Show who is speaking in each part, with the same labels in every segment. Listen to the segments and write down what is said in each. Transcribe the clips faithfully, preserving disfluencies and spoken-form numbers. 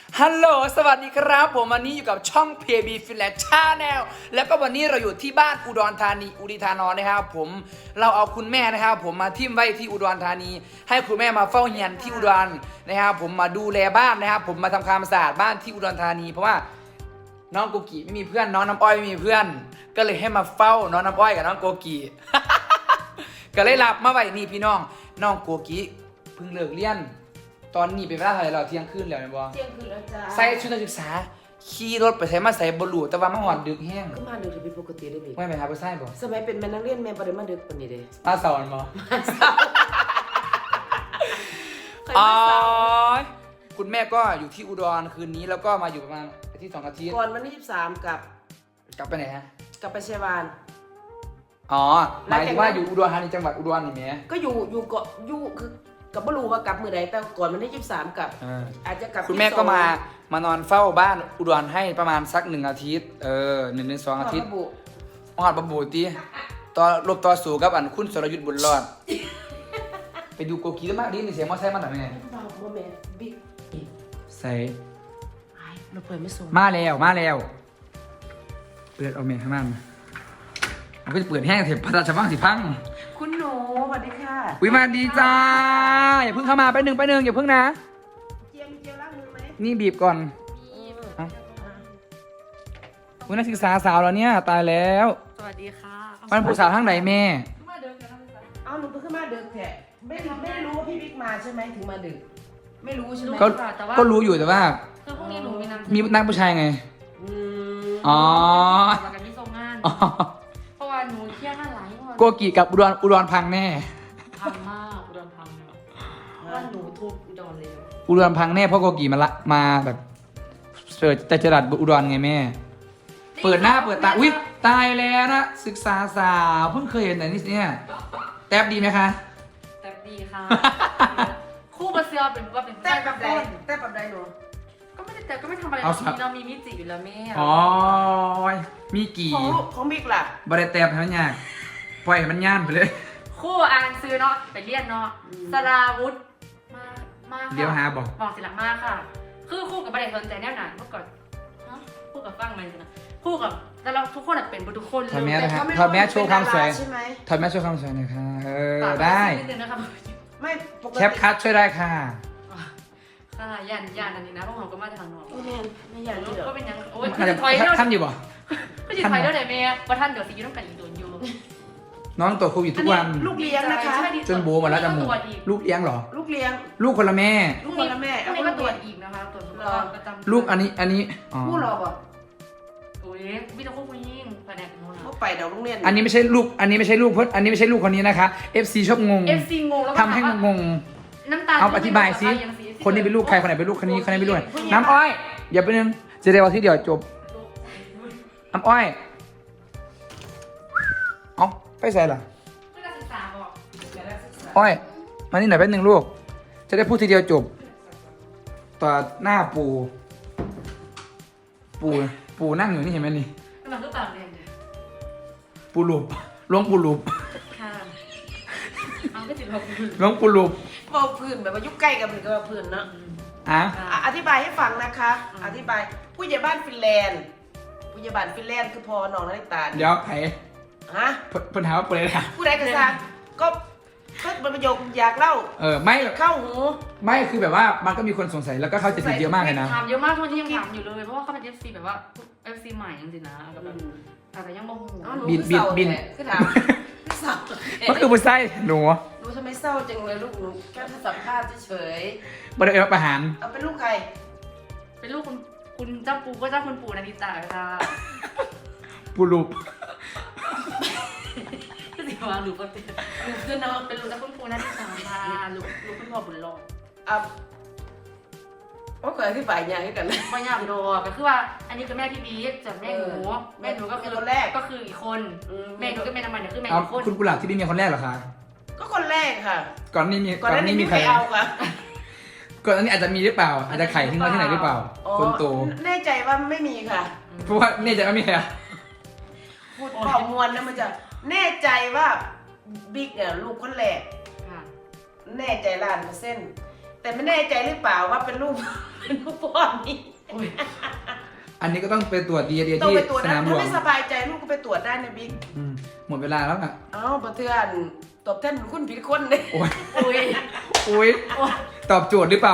Speaker 1: ฮัลโหลสวัสดีครับผมวันนี้อยู่กับช่อง พี บี Finland Channel แล้วก็วันนี้เราอยู่ที่บ้านอุดรธานีอุดิธานนท์นะครับผมเราเอาคุณแม่นะครับผมมาทิ่มไว้ที่อุดรธานีให้คุณแม่มาเฝ้าเฮียนที่อุดรนะครับผมมาดูแลบ้านนะครับผมมาทำความสะอาดบ้านที่อุดรธานีเพราะว่าน้องโกกิไม่มีเพื่อนน้องน้ำอ้อยไม่มีเพื่อนก็เลยให้มาเฝ้าน้องน้ำอ้อยกับน้องโกกิ ก็เลยรับมาไว้นี่พี่น้องน้องโกกิเพิ่งเลิกเรียนตอนนี้เป็นเวลาเท่าไหร่เราเที่ยงคืนแล้วเนี่ยบอ
Speaker 2: เที่ยงคืนแล้วจ้า
Speaker 1: ใส่ชุดนักศึกษาขี่รถไปใส่มาใส่บลูแต่ว่ามาหอนดึกแห้ง
Speaker 2: ก็มาดึกถึงเป็นปกติได้ไหม
Speaker 1: ไม่ไปหาไปใส่บ่
Speaker 2: สมัยเป็นแม่นักเรียนแม่ประเดี๋ยวมาดึกปานนี้เด้
Speaker 1: มาสอนบ่
Speaker 2: เคย
Speaker 1: อ๋อ
Speaker 2: มาเศร้า
Speaker 1: คุณแม่ก็อยู่ที่อุดรคืนนี้แล้วก็มาอยู่ประมาณอาทิตย์สองอาทิตย์
Speaker 2: ก่อนวันที่ยี่สิบสามกับ
Speaker 1: กลับไปไหนฮะ
Speaker 2: กลับไปเชียงราย
Speaker 1: อ๋อหมายถึงว่าอยู่อุดรธานีจังหวัดอุดรนี่แหม
Speaker 2: ก็อยู่อยู่เกาะอยู่คือกับไม่รู้ว่ากลับมื้อใดแต่ก่อนวันที่ยี่สิบสามกับ
Speaker 1: อ่า
Speaker 2: อาจจะกลับ
Speaker 1: คุณแม่ก็มามานอนเฝ้าบ้านอุดรให้ประมาณสักหนึ่งอาทิตย์เออหนึ่งถึงสองอาทิตย์
Speaker 2: ระบุ
Speaker 1: มหอดบบูตีต่อรบต่อสู้กับอันคุณสรยุทธ์บุญรอด ไปดูโกกีแล้วมากดิในเสียงมอไซค์มันหน่อยไหม
Speaker 2: บ่าวบ่แม่บิ๊ก
Speaker 1: ใส่
Speaker 2: ไอ้เราเปิดไม่ส่ง
Speaker 1: มาแล้วมาแล้วเปิดเอาเมย์ข้างล่างมันก็จะเปิดแห้งเถอะพระราชวังสิพัง
Speaker 2: คุณหนูสวัสดีค่ะ
Speaker 1: วิมาดีจ้าอย่าเพิ่งเข้ามาไปหนึ่งไปหนึ่งอย่าเพิ่งนะ
Speaker 2: เจียมเจียมล้างมือไหม
Speaker 1: นี่บีบก่อน
Speaker 2: มี
Speaker 1: ฮะ วินักศึกษาสาวแล้วเนี่ยตายแล้ว
Speaker 3: สวัสดีค่ะ
Speaker 1: มันผู้สาวทางไหนแม่
Speaker 3: มาเดินกันนะ
Speaker 2: เอาหนูขึ้นมาดึกแท้ไม่ไม่ได้รู้ว่าพี่บิ๊กมาใช่ไหมถึงมาดึกไม่รู้ใช่ไหม
Speaker 1: ก็
Speaker 3: แต่ว่า
Speaker 1: ก็รู้อยู่แต่ว่า
Speaker 3: คือพรุ่งนี้หนูมีนำ
Speaker 1: มีนักผู้ชายไง
Speaker 2: อืม
Speaker 1: อ๋อ
Speaker 3: มากันที่ทรงงาน
Speaker 1: อ๋อ
Speaker 3: เพราะว่าหนูเครียดงานหลายวัน
Speaker 1: โกกีกับอุดรอุดรพังแน่
Speaker 3: พังมากอุดรพังเนี่ยเพราะว่าหนูทุบอุดรเลย
Speaker 1: อุดรพังแน่เพราะโกกีมาละมาแบบเปิดแต่จรัสอุดรไงแม่ เปิดหน้าเปิดตา อุ๊ย ตายแล้วนะ ศึกษาสาวเพิ่งเคยเห็นไหนนี่เนี่ยแทบดีไหมคะ
Speaker 3: แต่ดีค่ะ คู่บาเซียเป็นว่าเป็น
Speaker 2: แต่แบบใด
Speaker 3: คน
Speaker 2: แต่แบบใดหนู
Speaker 3: ก็ไม่ได้แต่ก็ไม่ทำอะไร
Speaker 1: เอา
Speaker 3: เรา
Speaker 1: สับ
Speaker 3: มีเรามีมิจิอยู่แล้วแม่
Speaker 1: อ๋อ มีกี่
Speaker 2: ของลูกของบิ๊กล่ะ
Speaker 1: บริแตบให้มันยากปล่อยให้มันย่านไปเลย
Speaker 3: คู่อ่านซื้อเนาะไปเรียนเนาะ
Speaker 2: อืม
Speaker 3: สราวุธมามาค่ะ
Speaker 1: เดี๋ยวหาบอก
Speaker 3: บอกสิลักมากค่ะ คือคู่กับประเด็นสนใจแน่นอนเมื่อก่อนฮะคู่กับฟังมันสินะคู่กับแต่เราทุกคนอะเป็นทุกคนเลย
Speaker 1: ทำแม่
Speaker 2: แต่
Speaker 1: นะครั
Speaker 2: เขา
Speaker 1: บ
Speaker 2: ไม่
Speaker 1: ถอดแมสโชว์ความสวย
Speaker 2: ใช่ไหม
Speaker 1: ถอดแมสโชว์ความสวยหน่อยค่ะ เออ
Speaker 3: ฝากว้
Speaker 1: ได้
Speaker 3: นิดนึงนะครับ
Speaker 2: ไม่ปกติ
Speaker 1: แคปคัทช่วยได้ค่ะ
Speaker 3: ค่ะยันยันอันนี้นะพวกเราก็มาทางนอก
Speaker 2: โอ้แม่นไม่อยากนี่เหรอ
Speaker 3: ก็เป็นยังโอ้ย
Speaker 1: อาจจะ
Speaker 3: ถอยเด้อ
Speaker 1: ท่านอยู่บ่
Speaker 3: ก็จะถอยเด้อไหนเมย์ว่าท่านเดี๋ยวสิยุ่งกันอีกโดนอยู่
Speaker 1: น้องตรวจโควิดทุกวัน
Speaker 2: ลูกเลี้ยงนะคะ
Speaker 3: ใช่ดี
Speaker 1: จนโบหมดแล้วจมูก
Speaker 3: ตรวจอีก
Speaker 1: ลูกเลี้ยงเหรอ
Speaker 2: ลูกเลี้ยง
Speaker 1: ลูกคนละแม่
Speaker 2: ลูกคนละแม่
Speaker 3: พรุ่งนี้ก็ตรวจอีกนะคะตรวจสุขภาพประจำ
Speaker 1: ลูกอันนี้ อันนี้ อ๋อ
Speaker 2: ผู้รอบ่
Speaker 3: โอ้ยพี่จะควบคุมยิ่งแผนกนู้น
Speaker 2: เขาไปเดี๋ยวโรงเรียน
Speaker 1: อันนี้ไม่ใช่ลูก อันนี้ไม่ใช่ลูกเพิ่นอันนี้ไม่ใช่ลูกคนนี้นะคะ เอฟ ซี ชอบงง
Speaker 3: เอฟซีงงแล้วก็
Speaker 1: ทำให้งง
Speaker 3: น้ำตา
Speaker 1: เอาอธิบายสิ คนนี้เป็นลูกใคร คนไหนเป็นลูกคนนี้ คนไหนเป็นลูกไหนน้ำอ้อย อย่าไปนึงจะได้วันที่เดียวจบ น้ำอ้อย เอาไปใส่ล่ะ
Speaker 3: เพื่อการศึกษาบอก
Speaker 1: อ้อย มานี่หน่อยแป๊บนึงลูก จะได้พูดทีเดียวจบ ต่อหน้าปู ปู ปูนั่งอยู่นี่เห็นไหมนี่
Speaker 3: กำลังก็ต่างเรียน
Speaker 1: ปูหลุบหลวงปูหลุบ
Speaker 3: ค่ะเอาก็ติดลบ
Speaker 1: หลวงปูหลุบ
Speaker 2: บอกพื้นแบบว่ายุคใกล้กันเหมือนกับว่าพื้นเนาะ
Speaker 1: อ่ะ
Speaker 2: อ่ะอธิบายให้ฟังนะคะ อธิบายผู้ใหญ่บ้านฟินแลนด์ผู้ใหญ่บ้านฟินแลนด์คือพอน้องนาฬิตา
Speaker 1: เดี๋ยวไผ่
Speaker 2: ฮะ
Speaker 1: เพิ่นเพิ่นถามว่าเปิดอะไรอ่ะ
Speaker 2: ผู้ใดก็ทราบก็ก็เป็นประโยคอยากเล่า
Speaker 1: เออ ไม่
Speaker 2: เข้าหู
Speaker 1: ไม่คือแบบว่ามันก็มีคนสงสัยแล้วก็เข้าใจผิดเยอะมากเลยนะ
Speaker 3: ถามเยอะมากทุกคนที่ยังถามอยู่เลยเพราะว่าเขาเป็น เอฟ ซี แบบว่า เอฟ ซี ใหม่จริงๆนะก็แบบแต่ยังบ่หู
Speaker 2: เอ้าหนู
Speaker 1: บิน
Speaker 2: คือเศร้า
Speaker 1: บิน
Speaker 2: แท้คือถามคือเศร้า
Speaker 1: มันคือผู้ไส้หนู
Speaker 2: หนูทำไมเศร้าจังเลยลูกหนูแค่สัมภาษณ์เฉย
Speaker 1: บริเวณประหาร
Speaker 2: ๆเอาเป็นลูกใคร
Speaker 3: เป็นลูกคุณคุณเจ้าปูก็เจ้าคุณปู่นาริตาค่ะ
Speaker 1: ปูหลุบ
Speaker 3: ก็สิว่าลูกก็เป็นลูกคือน้องเป็นลูกเจ้าคุณปู่นาริตาค่ะลูกลูกคุณพ่อบุญรอด
Speaker 2: อ่ะโอ้เคยอธิบายยากให้กันเลย
Speaker 3: ไม่ยากดอกก็คือว่าอันนี้คือแม่พี่บีส่วนแม่หนู
Speaker 2: เออ
Speaker 3: แม่หนูก็คือ
Speaker 2: แม่คนแรก
Speaker 3: ก็คืออีกคน
Speaker 2: อืม
Speaker 3: แม่หนูก็แม่น้ำมันเดี๋ยวคือแม่
Speaker 1: เอา
Speaker 3: อีกคน
Speaker 1: คุณกุหลาบที่พี่มีคนแรกเหรอคะ
Speaker 2: ก็คนแรกค่ะ
Speaker 1: ก่อนนี้มี
Speaker 2: ก่อนหน้านี้
Speaker 1: มี
Speaker 2: ไม่
Speaker 1: ใคร
Speaker 2: เอาค่ะ
Speaker 1: ก่อนหน้านี้อาจจะมีหรือเปล่า อาจจะไข่ทิ้งไว้ที่ไหนหรือเปล่า
Speaker 2: อ๋อ
Speaker 1: คนโต
Speaker 2: แน่ใจว่าไม่มีค่ะ
Speaker 1: เพราะว่าเนี่ยจะไม่มีใครอะ
Speaker 2: พูดข้อมวลนะมันจะแน่ใจว่าบิ๊กเนี่ยลูกคนแรก
Speaker 3: ค่ะ
Speaker 2: แน่ใจล้านเปอร์เซ็นต์แต่ไม่แน่ใจหรือเปล่าว่าเป็นลูก เป็นลูกพ่อนี่
Speaker 1: อันนี้ก็ต้องไปตรวจดีเอ็นเอ
Speaker 2: ต้อง
Speaker 1: ที่
Speaker 2: ไปตรวจ
Speaker 1: ส
Speaker 2: นะ
Speaker 1: นามหล
Speaker 2: ถ้าว
Speaker 1: ง
Speaker 2: ไม่สบายใจลูกก็ไปตรวจได้นะบิ๊ก
Speaker 1: อืมหมดเวลาแล้วอ่ะ
Speaker 2: เอ้าประเทือนตบแท่นคุณผิดคนเลย
Speaker 1: โอ้ย
Speaker 3: อุ้ย
Speaker 1: โอ้ยตอบโจทย์หรือเปล่า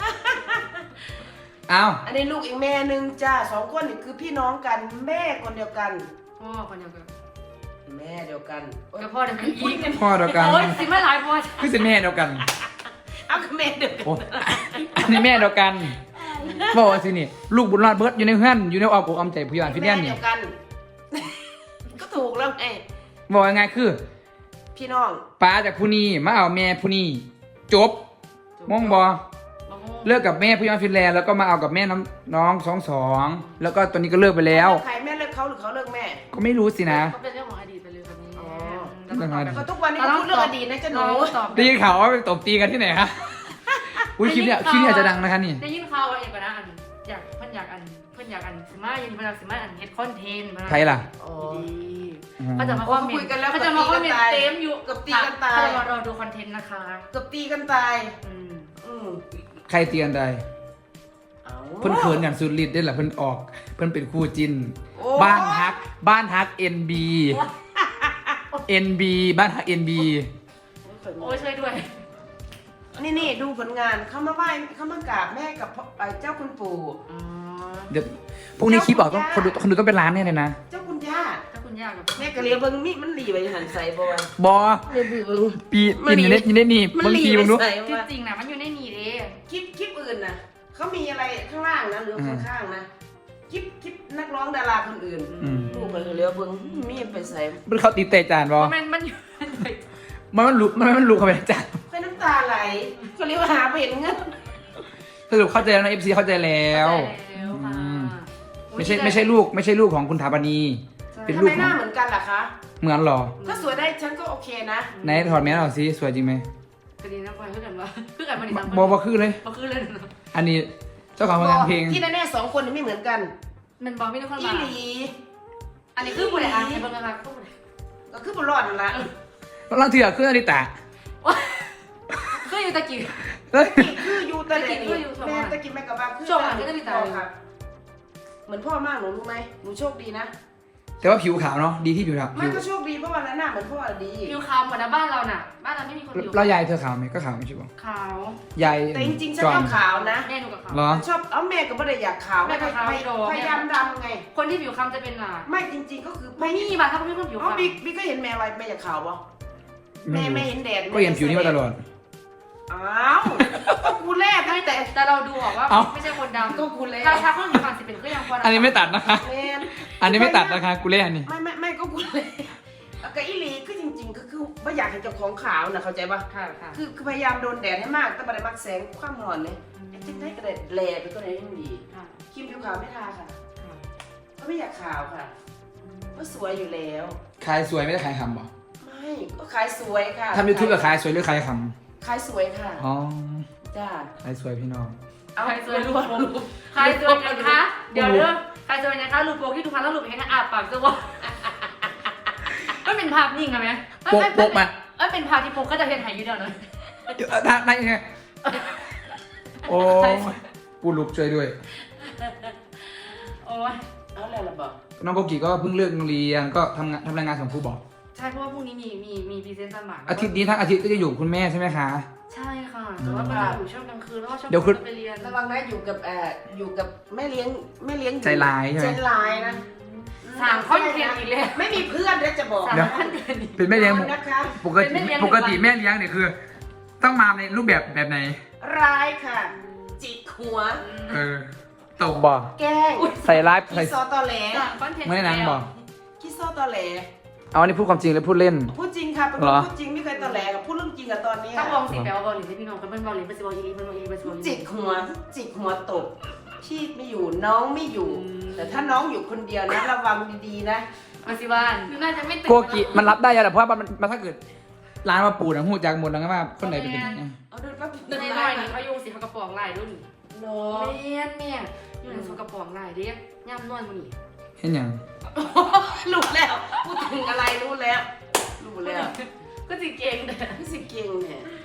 Speaker 1: อ้าว
Speaker 2: อันนี้ลูกอีกแม่หนึ่งจ้าสองคนนี่คือพี่น้องกันแม่คนเดียวกัน
Speaker 3: พ่อคนเดียวกัน
Speaker 2: แม่เดียวกันโอ๊ย
Speaker 3: กับพ่อเดียวกันอีก
Speaker 1: พ่อเดียวกัน
Speaker 3: โอ้ยสิมาหลายพ่อ
Speaker 1: คือสิแม่เดียวกัน
Speaker 2: เอาคือแม่เดียวกัน
Speaker 1: โอ้อันนี้แม่เดียวกันบอกว่าสินี่ลูกบุญรอดเบิร์ดอยู่ในเพื่อนอยู่ในอ้อมอกอ้อมใจผู้ใหญ่พี่แน่น
Speaker 2: แม่
Speaker 1: นี่
Speaker 2: เดียวกัน ก็ถูกแล้วไง
Speaker 1: บอกยังไงคือ
Speaker 2: พี่น้อง
Speaker 1: ป้าจากผู้นี้มาเอาแม่ผู้นี้จบมองบอเลิกกับแม่ผู้ใหญ่ฟินแลนด์แล้วก็มาเอากับแม่น้องน้องสองสองแล้วก็ตอนนี้ก็เลิกไปแล้ว
Speaker 2: ใครแม่เลิกเขาหรือเขาเลิกแม่
Speaker 1: ก็ไม่รู้สินะ
Speaker 3: เขาเป็นเรื่องของอดีตไปเลยแบบนี้
Speaker 2: อ๋อ
Speaker 1: เรื่องของอดีต
Speaker 2: ก็ทุกวันนี้ก็พูดเรื่องอดีตนะจ๊ะหนู
Speaker 3: ตอบ
Speaker 1: ได้ยินข่าวว่าไปตบตีกันที่ไหนคะอุ้ยคลิปเนี้ยคลิปเนี้ยอาจจะดังนะคะนี่
Speaker 3: ได้ยินข่าวว่าเอกนะอันอยากเพื่อนอยากอันเพื่อนอยากอันสิมายันเพื่อนอยากสิมาอันเฮ็ดคอนเทนต์
Speaker 1: ใครล่ะ
Speaker 2: อ๋อ
Speaker 3: เขาจะมาคอมเมนต์เขาจะมาคอมเมนต์เต็มอยู่เขาจะมารอดูคอนเทนต์นะคะ
Speaker 2: เกือบตีกันตาย
Speaker 3: อืม
Speaker 2: อืม
Speaker 1: ใครเตียนใด
Speaker 2: เอา
Speaker 1: เพิ่นเขินอย่างสุดฤทธิ์ได้แหละเพิ่นออก เพิ่นเป็นคู่จิน
Speaker 2: โอ้
Speaker 1: บ้านฮัก บ้านฮัก เอ็น บี เอ็น บี บ้านฮัก เอ็น บี
Speaker 3: โอ้ยช่วยด้วย
Speaker 2: นี่นี่ดูผลงานเขามาไหว้เขามากราบแม่กับพ่อเอ่อเจ้าคุณปู่
Speaker 3: อ๋อ
Speaker 1: เดี๋ยวพรุ่งนี้คลิปออกต้องคนดูคนดูต้องเป็นล้านแน่เลยนะ
Speaker 2: เจ้าคุณย่า
Speaker 3: ถ้าคุณยากกับ
Speaker 2: แม่กะเลียเบิ้งมีมันหลีไปหันใส่บ่วะ
Speaker 1: บอ
Speaker 2: เลียบือเบิ้ง
Speaker 1: ปี
Speaker 2: มัน
Speaker 1: ปี
Speaker 2: หนี
Speaker 1: นี้ได้ยินได้นี่
Speaker 2: มัน
Speaker 1: บาง
Speaker 2: หลี
Speaker 1: ที
Speaker 2: ไป
Speaker 1: มึงรู้
Speaker 2: ใส่
Speaker 3: จ
Speaker 2: ว่า
Speaker 3: ริงๆนะมันอยู่ในนี่เด้
Speaker 2: คลิปคลิปอื่นนะเขามีอะไรข้างล่างนะหรือ
Speaker 1: อืม
Speaker 2: ข้างๆนะคลิปคลิปนักร้องดาราคนอื่น
Speaker 1: อืม
Speaker 2: ลูกกะเลียเบิ้งมีไปใส่
Speaker 1: มันเขาตีเตะจานบอ
Speaker 3: มันมันอยู่
Speaker 1: มันมันลุกมันมันลุกเข้าไปในจาน
Speaker 2: แค่น้ำตาไหลก็เรียกว่าหาไปเห็นเงิน
Speaker 1: สรุปเข้าใจแล้วนะเอฟซีเข้าใจแล้ว
Speaker 3: แล้วค่ะ
Speaker 1: อืม ไม่ใช่ไม่ใช่ลูกไม่ใช่ลูกของคุณถาปณี เป็น
Speaker 2: ทำ
Speaker 1: ลู
Speaker 2: ไม
Speaker 1: ก
Speaker 2: ห
Speaker 1: ขอ
Speaker 2: น้าง เหมือนกันล่ะคะ
Speaker 1: เหมือนเหรอ
Speaker 2: ถ้าสวยได้ฉันก็โอเคนะ
Speaker 1: ไหนถอดแมสออกสิสวยจริงไหม
Speaker 3: คดีนักวันเพื่อกันว่าเพื่อกันมันอีก
Speaker 1: บอบอคือเลย
Speaker 3: บอคือเลยเนาะ
Speaker 1: อันนี้เจ้าของผลงานเพลง
Speaker 2: ที่แน่ๆสองคนนี่ไม่เหมือนกัน
Speaker 3: มันบอกไม่ได้คน
Speaker 2: อี
Speaker 3: มา
Speaker 2: หลี
Speaker 3: อันนี้คือผู้ใดอ่านให้เบิ่งนะคะผู้ใด
Speaker 2: ก็คือบนรอดนั่นละ
Speaker 1: ลังเถื่อขึ้นอดิตะ
Speaker 3: คืออยู่ตะกี้
Speaker 1: เฮ้ย
Speaker 2: นี่คืออยู่แต่เด็ก
Speaker 3: คืออยู่
Speaker 2: แม่ตะกินแม่กับบ้าคือ
Speaker 3: ช่วงหลังก็จะมีตา
Speaker 2: พ่อครับเหมือนพ่อมากหนูรู้ไหมหนูโชคดีนะ
Speaker 1: แต่ว่าผิวขาวเนาะดีที่ผิวขาว
Speaker 2: ไม่
Speaker 1: ผิว
Speaker 2: ก็โชคดีเพราะว่าหน้าเหมือนพ่อดี
Speaker 3: อยู่ขาวหมดนะบ้านเราน่ะ บ้านเราไม่มีคนอยู่
Speaker 1: แล้วยายเธอขาวไหมก็ขาวไม่ใช่ปะ
Speaker 3: ขาวย
Speaker 1: าย
Speaker 2: แต่จริงๆฉัน
Speaker 1: จอ
Speaker 2: ช
Speaker 1: ม
Speaker 2: อบขาวนะ
Speaker 3: แม่หนูกับขาว
Speaker 1: เหรอ
Speaker 2: ชอบเอาแม่ก็ไม่ได้อยากขาว
Speaker 3: แม่ก็ขาว
Speaker 2: พย
Speaker 3: โด
Speaker 2: พยายามดำไง
Speaker 3: คนที่ผิวคล้ำจะเป็นอ่ะ
Speaker 2: ไม่จริง ๆ ก็คือ
Speaker 3: ไม่มีบ้านถ้าไม่มีคนผิว
Speaker 2: อ๋อ
Speaker 3: คล้ำ
Speaker 2: บิ๊กบิ๊กก็เห็นแม่ไว้แม่อยากขาวปะแม่ไม่เห็นแดด
Speaker 1: ก็เห็นผิวนี้มาตลอด
Speaker 2: อ้าวก็กูแลก
Speaker 3: ไม่
Speaker 2: ตั้ง
Speaker 3: แต่
Speaker 2: แต่
Speaker 3: แต่เราดูออกว่า
Speaker 1: เอ้า
Speaker 3: ไม่ใช่คนดำ
Speaker 2: ก็กูแลก
Speaker 3: ถ้าถ้าคนผิวคล้ำสิเป็นก็ยังพอ
Speaker 1: อันนี้ไม่ตัดนะคะ
Speaker 2: แม่
Speaker 1: อันนี้ไม่ตัดนะคะกูเล่นอันนี้
Speaker 2: ไม่ไม่ไม่ก็กูเลยก็อีหลีคือจริง ๆ ก็คือไม่อยากให้เจ้าของขาวนะเข้าใจปะ
Speaker 3: ค่ะค่ะ
Speaker 2: คือคือพยายามโดนแดดให้มากแต่ไม่ได้มักแสงความร้อนเลยไอ้ที่ได้กระเด็ดแหลไปก็ได้ยังดี
Speaker 3: ค่ะ
Speaker 2: ครีมผิวขาวไม่ทาค่ะ
Speaker 3: ค่ะ
Speaker 2: ก็ไม่อยากขาวค่ะก็สวยอยู่แล้ว
Speaker 1: ขายสวยไม่ได้ขายคำบ่
Speaker 2: ไม่ก็ขายสวยค่ะ
Speaker 1: ทำยูทูบกับขายสวยหรือขายค
Speaker 2: ขายสวยค่ะ
Speaker 1: ำอ๋อ
Speaker 2: จ้า
Speaker 1: ขายสวยพี่น้อง
Speaker 2: เอา
Speaker 3: ใครสวย
Speaker 2: ร
Speaker 3: รู
Speaker 2: ว
Speaker 3: ป
Speaker 2: ม
Speaker 3: โปกใครสวยนะคะเดี๋ยวเด้อใครสวยนะคะรูปโปกที่ทุกคนแล้วรูปเห็นนะอาปากจะว่าไม่เป็นภาพนิ่งอะไหม
Speaker 1: โป๊กโป๊กมา
Speaker 3: เอ้ยเป็นภาพที่โปกก็จะเห็นหายอยู่เดียวเลย
Speaker 1: เดี๋ยวทางไหนไงโอ้ยปูลุกช่วยด้วย
Speaker 3: โอ้ย
Speaker 2: เอาแล้วล่ะบอก
Speaker 1: น้องโกกิก็เพิ่งเลิกโรงเรียนก็ทำงานทำรายงานส่งครูบอก
Speaker 3: ใช่เพราะว่าพรุ่งนี้มีมีมีพรีเซนต์สมัคร
Speaker 1: อาทิตย์นี้ทั้งอาทิตย์ก็จะอยู่กับคุณแม่ใช่ไหมคะ
Speaker 3: ใช่ค่ะแต่ว่ามันจะอยู่ช่วงกลางคืนแล้วก็ช่วง
Speaker 1: เดี๋ยวคุณ
Speaker 3: ไปเรียน
Speaker 2: ระวังนะอยู่กับเอ่ออยู่กับแม่เลี้ยงแม่เลี้ยงอยู่
Speaker 1: ใจร้ายใช่ไหม
Speaker 2: ใจร้ายนะ
Speaker 3: สามคอนเทนต์อีกเลย
Speaker 2: ไม่มีเพื่อนแล้วจะบอก
Speaker 3: สาม
Speaker 1: เดี๋ยว
Speaker 3: คอนเทนต์อีก
Speaker 1: เป็นแม่เลี้ยง
Speaker 2: นอนนะคะ
Speaker 1: ปกติ
Speaker 3: เป็นแม่เลี้ยง
Speaker 1: ปกติแม่เลี้ยงเนี่ยคือ ต้องมาในรูปแบบแบบไหน
Speaker 2: ร้ายค่ะ จิกหัว
Speaker 1: เออตบบ่
Speaker 2: แกล้ง
Speaker 1: ใส่ร้ายใส่
Speaker 2: คิดซอตอแหล
Speaker 3: สามคอนเทนต์
Speaker 1: ไม่ได้นางบอก
Speaker 2: คิดซอตอแหล
Speaker 1: เอาอันนี้พูดความจริงหรือพูดเล่น
Speaker 2: พูดจริงค่ะเป็นค
Speaker 1: เหร
Speaker 2: น
Speaker 1: อ
Speaker 2: พูดจริงไม่เคยตอแหลกับพูดเรื่องจริงกับตอนเนี้ย
Speaker 3: ถ้ามองสีแปลว่าบอลหรือพี่น้องกันเป็นบอลหรือเป็นบอลอีลีเป็นบอลอีลีเป็นบอล
Speaker 2: จิกหัวจิกหัวตกพี่ไม่อยู่น้องไม่อยู่ แต่ถ้าน้องอยู่คนเดียวนะระวังดีๆนะ
Speaker 3: มาสิบ้านน่าจะไม่ตื่น
Speaker 1: โกกิมันรับได้ยังแต่เพราะว่ามันมันถ้าเกิดร้านมาปูนะหูจากหมดแล้วก็ว่าคนไหนเป็นยังไง
Speaker 2: เอาดูแป๊บ
Speaker 3: ในน้อยนี่เขาอยู่สิเขากระป๋องลายรุ่น
Speaker 2: เนาะ
Speaker 3: เมียนเนี่ยอยู่ในโซกระป๋องลายเด็กย่ำนวลมันนี่
Speaker 1: เห็นยัง
Speaker 2: รู้แล้วพูดถึงอะไรรู้แล้วรู้แล้ว
Speaker 3: ก็สิเก่งแต่
Speaker 2: พี่สิเก่งเนี่ย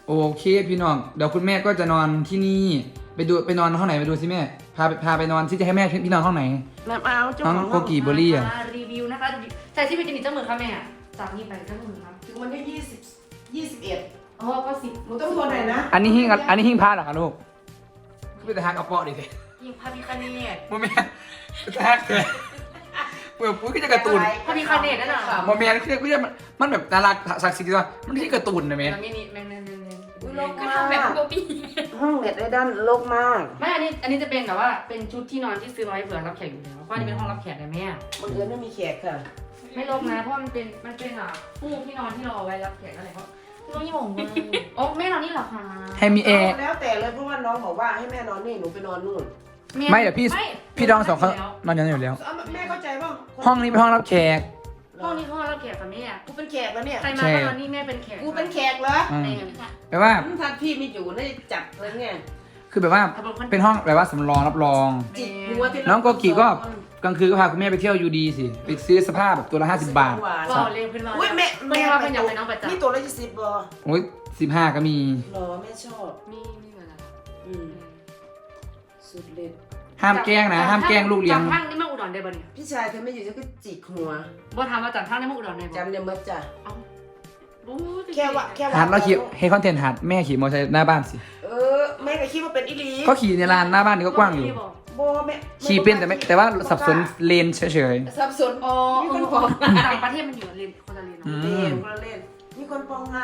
Speaker 1: โอเคพี่น้องเดี๋ยวคุณแม่ก็จะนอนที่นี่ไปดูไปนอนห้องไหนไปดูสิแม่พาไปพาไปนอนที่จะให้แม่พี่นอนห้องไหน
Speaker 2: น้ำเอาเจ้า
Speaker 1: น้อง
Speaker 2: ของ
Speaker 1: โกกีเบอร์รี่อ่ะ
Speaker 3: มารีวิวนะคะใส่ที่เป็นกินอีกเจ้ามือค่ะแม่จากนี้ไปเจ้ามือครับ
Speaker 2: ถึงวันที่ยี่สิบยี่สิบเอ็ด
Speaker 3: อ๋อก็สิบ
Speaker 2: หนูต้องโทรหน่อยนะ
Speaker 1: อันนี้หิ้งอันนี้หิ้งพาเหรอคะลูกก็ไปแต่ฮักกระเป๋อดิสิ
Speaker 3: ยิงพระพิคเนต
Speaker 1: โมเมนต์แต่ฮักเลยเปิดปุ้ยก็จะการ์ตูน
Speaker 3: พระพิคเนตนั่นแหละ
Speaker 1: โมเมนต์คือคือมันมันแบบน่ารักศักดิ์สิทธิ์ว่ามันไม่ใช่การ์ตูนนะแม่
Speaker 3: มันไม่นี่แม่แม่แม่แม่
Speaker 2: อุ๊ยโลก
Speaker 3: ก็
Speaker 2: มาก
Speaker 3: ทำแบบโกปี้
Speaker 2: ห้องเน็ตได้ด้านโลกมาก
Speaker 3: ไม่อันนี้อันนี้จะเป็นแบบว่าเป็นชุดที่นอนที่ซื้อมาไว้เผื่อรับแขกอยู่แล้วเพราะอันนี้เป็นห้องรับแขกนะแม่
Speaker 2: บังเอิญไม่มีแขกค่ะ
Speaker 3: ไม่ลบนะเพราะมันเป็นมันเป็นอ่ะฟูกที่นอนที่เราเอาไว้รับแขกอะไรเพราะน้องยี่หม่งมากโอ้แม่นอนนี่เหรอคะ
Speaker 1: ให้มีแอร์
Speaker 2: แล้วแต่เลยเพราะว่าน้องบอกว่าให้แม่นอนนี่หนูไปนอนนู่น
Speaker 1: ไม่เดี๋ยวพี่
Speaker 3: ไม่
Speaker 1: พี่ดองสองเขานอนอย่างนั้นอยู่แล้ว
Speaker 2: เอาแม่เข้าใจป่ะ
Speaker 1: ห้องนี้เป็นห้องรับแขก
Speaker 3: ห้องนี้ห้องรับแขกกับแม่
Speaker 2: กูเป็นแขกแล้วเนี่ย
Speaker 3: ใครมาก็นอนนี่แม่เป็นแขก
Speaker 2: กูเป็นแขกเหรอ
Speaker 1: อืม
Speaker 3: ใน
Speaker 1: แปลว่า
Speaker 2: ท่านพี่ไม่อยู่ได้จับเลยไง
Speaker 1: คือแบบว่าเป็นห้องแบบว่าสำรองรับรอง
Speaker 2: จิกหัวที่
Speaker 1: น้องโกกิก็กลางคืนก็พาคุณแม่ไปเที่ยวยูดีสิไปซื้อเสภาพแบบตัวละห้าสิบบาท
Speaker 3: ก็เรียกขึ้นมา
Speaker 2: อุ้ยแม่
Speaker 3: แม่ว่าเป็นอย่างไรน้องประจัก
Speaker 2: นี่
Speaker 3: ษ์
Speaker 2: ตัวละยี่สิบบอ
Speaker 1: โอ้ยสิบห้าก็มี
Speaker 2: หรอแม่ชอบ
Speaker 3: มีมีเหมือนกัน
Speaker 2: อืมสุดเด็ด
Speaker 1: ห้ามแกล้งนะ ห้ามแกล้งลูกเลี้ยง
Speaker 3: จำทั้งนี่มาอุดรได้ป่ะเนี่ย
Speaker 2: พี่ชายเธอไม่อยู่ฉันก็จิกหัว
Speaker 3: บ่ถามว่าจำทั้งนี่มาอุดรได้ป่ะ
Speaker 2: จำเดี๋ยวมัดจ้ะ
Speaker 3: เอ้าบู๊
Speaker 2: แค่ว่าแค่ว่า
Speaker 1: หัดเราขี่เฮคอนเทนต์หัดแม่ขี่มอเตอร์ไซค์หน้าบ้านสิ
Speaker 2: เออแม่ก็คิดว่าเป็นอีหลี
Speaker 1: ก็ขี่ในลานหน้าบ้านนี่ก็กว้างอยู่
Speaker 2: โบแม่
Speaker 1: ขี่เป็นแต่ไม่แต่ว่าสับสนเลนเฉย
Speaker 2: สับสน
Speaker 3: อ๋อ
Speaker 2: มี
Speaker 3: เอ
Speaker 2: คน
Speaker 3: อ
Speaker 2: ปอง
Speaker 3: ต่างประเทศมันอยู่เรียนคนละเรียน
Speaker 1: อื
Speaker 3: เนาะ
Speaker 2: เล่
Speaker 1: ม
Speaker 2: นคนละเล่นมีคนปองไง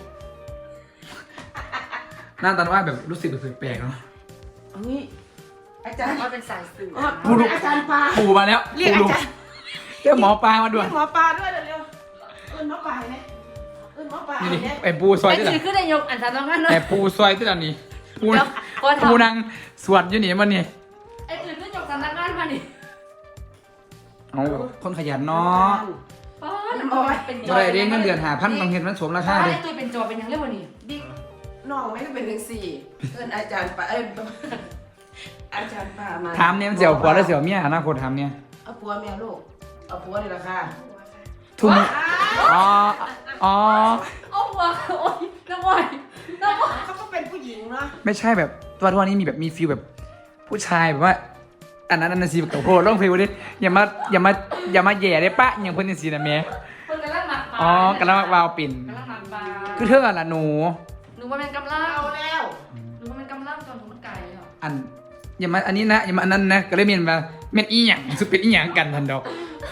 Speaker 1: ๆหน้าตาว่าแบบรู้สึกแบบแปลกๆเนาะ
Speaker 2: เฮ้ยอาจารย์
Speaker 3: ว่าเป็นสายสื่อ
Speaker 2: อ๋ออาจารย์ปลา
Speaker 1: ปู่มาแล้ว
Speaker 2: เรียก
Speaker 1: ปู่
Speaker 2: อาจารย์
Speaker 1: เรียกหมอปลามาด่วน
Speaker 2: เรียกหมอปลาด้วยเร็วๆเอิ้นหมอปลาเนี่ยเอิ้นหมอปลา
Speaker 1: นี่
Speaker 2: เนี่ย
Speaker 1: ไอ้ปูซอย
Speaker 3: ไอ้
Speaker 1: ที่ไหน
Speaker 3: ถือขึ้นได้ยกอันสามต้องงั้นเนาะ
Speaker 1: ไอ้ปูซอยที่ไหนนี่ปู
Speaker 3: เดี๋ยวก็ทำ
Speaker 1: ปูนางสวดอยู่นี่มันนี่
Speaker 3: ไอ้ถือขึ้นยกสำนักงานมาดิ
Speaker 1: เอาคนขยันเนาะ
Speaker 3: ป้าเป็น
Speaker 1: จะได้เรียนเงินเดือนหาพันบางเห็นมันสมราคาเลย
Speaker 3: ไอ้ตัวเป็นจอเป็นยังเรียกว่านี่
Speaker 2: บิ๊กน้องไม่ได้เป็นถึงสี่เอิ้นอาจารย์ปลาเอิ้นอาจารย์ปลามา
Speaker 1: ถามเนี่ยมันเสียวผัวแล้วเสียวเมียอนาคตถามเนี่ย
Speaker 2: เอาผัวเมียลูกเอาผัวนี่แหละค่ะ
Speaker 1: ทุ่มอ๋ออ๋อ
Speaker 3: โอ้โหโอ้ยน้ำมันน้ำมัน
Speaker 2: เขาก็เป็นผู้หญิงเนาะ
Speaker 1: ไม่ใช่แบบตัวทุกวันนี้มีแบบมีฟิลแบบผู้ชายแบบว่า อันนั้นอันนั้นสิกับโพร้องเพลงวันนี้อย่ามาอย่ามาอย่ามาแย่ได้ปะอย่างเพิ่นสินะแม่
Speaker 3: คนกำลังหมักปลา
Speaker 1: อ๋อกำลังวาวปิ่น
Speaker 3: กำลังหมักปลา
Speaker 1: คือเธออะล่ะหนู
Speaker 3: หนูว่าเป็นกำลัง
Speaker 2: เอาแล้ว
Speaker 3: หนูว่าเป็นกำลังจนถึงมันไก่เลยเหรอ
Speaker 1: อันอย่ามาอันนี้นะอย่ามาอันนั้นนะก็เลยเมียนมาเมียนอีหยังสุดเป็นอีหยังกันทันดอก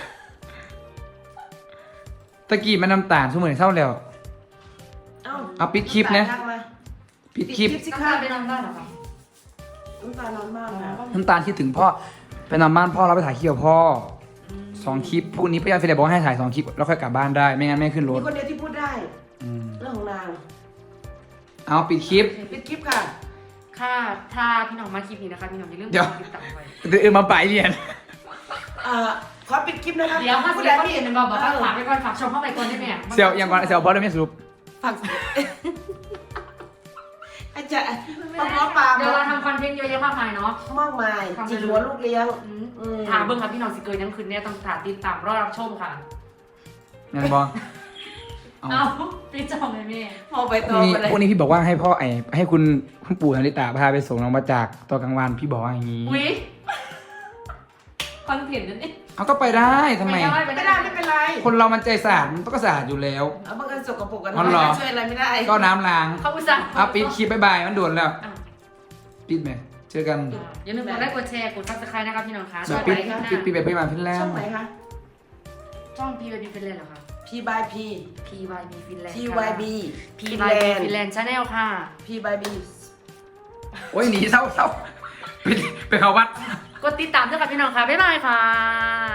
Speaker 1: ตะกี้มันน้ำตาลสมือเศร้าแล้ว
Speaker 2: เอา
Speaker 1: เอาปิดคลิปนะ
Speaker 2: ทักมา
Speaker 1: ปิดคลิป
Speaker 2: สิ
Speaker 3: น้ำ
Speaker 2: คะ
Speaker 3: ตาลไปนอนบ้านเหรอคะ
Speaker 2: น้ำตาลนอนมากนะ
Speaker 1: น้ำตาลคิดถึงพ่อไปนอนบ้านพ่อแล้วไปถ่ายคลิปกับพ่อสองคลิปพรุ่งนี้พี่ยาฟิเลบอกให้ถ่ายสองคลิปแล้วค่อยกลับบ้านได้ไม่งั้นไม่ขึ้นร
Speaker 2: มี
Speaker 1: ถ
Speaker 2: คนเดียวที่พูดได้
Speaker 1: อืม
Speaker 2: เรื่องของนาง
Speaker 1: เอาปิดคลิป
Speaker 2: ปิดคลิปค่ะ
Speaker 3: ค่ะถ้าพี่น้องมาคลิปนี้นะคะพี่น้องอย่าลืม
Speaker 1: เดี๋ยว
Speaker 3: กติดตามไว้
Speaker 1: เดี๋ยวเออมาไปเรียน
Speaker 2: เอ่อขอปิดคลิปนะคะ
Speaker 3: เดี๋ยวถ้า
Speaker 2: พู
Speaker 3: สิ
Speaker 2: ด
Speaker 3: เดี๋
Speaker 2: ได้
Speaker 3: ยวเขา
Speaker 2: ที่
Speaker 3: เห็นเป็นบอกบอกว่าฝากไปก่อนฝากชมเข้าไปก่อนได้ไหม
Speaker 1: เซลยังก่อนเซลบอสได้ไม่สรุป
Speaker 2: ฝากอาจารย์ปลาหมอปลา
Speaker 3: เดี๋ยวเราทำคอนเทนต์เยอะแยะมากมายเนาะ
Speaker 2: มากมายจิกหัวลูกเลี้ยง
Speaker 3: อืม
Speaker 2: อืม
Speaker 3: ถามเบิ้งครับพี่น้องสิเกินยังคืนเนี่ยต้องถามติดตามรอรับชมค่ะ
Speaker 1: ยังบอเอา
Speaker 3: เอาพี่จองเลยแม่
Speaker 2: พอไปต่อ
Speaker 1: นี่
Speaker 2: ไปเลย
Speaker 1: พวกนี้พี่บอกว่าให้พ่อไอให้คุณคุณปู่นาริตาพาไปส่งน้องมาจากตอนกลางวันพี่บอกว่าอย่างนี้
Speaker 3: อุ้ยคอนเทนต์นั่นเอง
Speaker 1: เอาก็ไปได้ทำไม
Speaker 3: ไม่ได้
Speaker 2: ไม่ได้ไม่เป็นไร
Speaker 1: คนเรามันใจสะอาดมันต้องก็สะอาดอยู่แล้ว
Speaker 2: เอาบางกันสกปรกกัน
Speaker 1: อ๋อเหรอ
Speaker 2: ช่วยอะไรไม่ได้
Speaker 1: ก็น้ำล้าง
Speaker 3: เขาอุตส่าห์
Speaker 1: เอาปิดคลิปบายบายมันด่วนแล้ว
Speaker 3: อ่ะ
Speaker 1: ปิดไหมเจอกัน
Speaker 3: อย่าลืมกดไลค์กดแชร์กดซับสไครต์นะครับพี่น้องคะ
Speaker 1: แบบ
Speaker 3: ไป
Speaker 1: ปิด
Speaker 3: ข้างหน้า
Speaker 1: ปิดปิดแบบพยาบาลพินแลน
Speaker 2: ช่อง
Speaker 1: ด์
Speaker 2: ไหนคะ
Speaker 3: ช่องพีวายบีฟินแลนด์เหรอคะ
Speaker 2: P by P
Speaker 3: พีวายบีฟินแลนด์
Speaker 2: T Y B
Speaker 3: พีวายบีฟินแลนด์ชาแนลค่ะ
Speaker 2: P by B
Speaker 1: โอ้ยหนีเศร้าเศร้าปิดไปเขาวัด
Speaker 3: กดติดตามด้วยค่ะพี่น้องค่ะบ๊ายบายค่ะ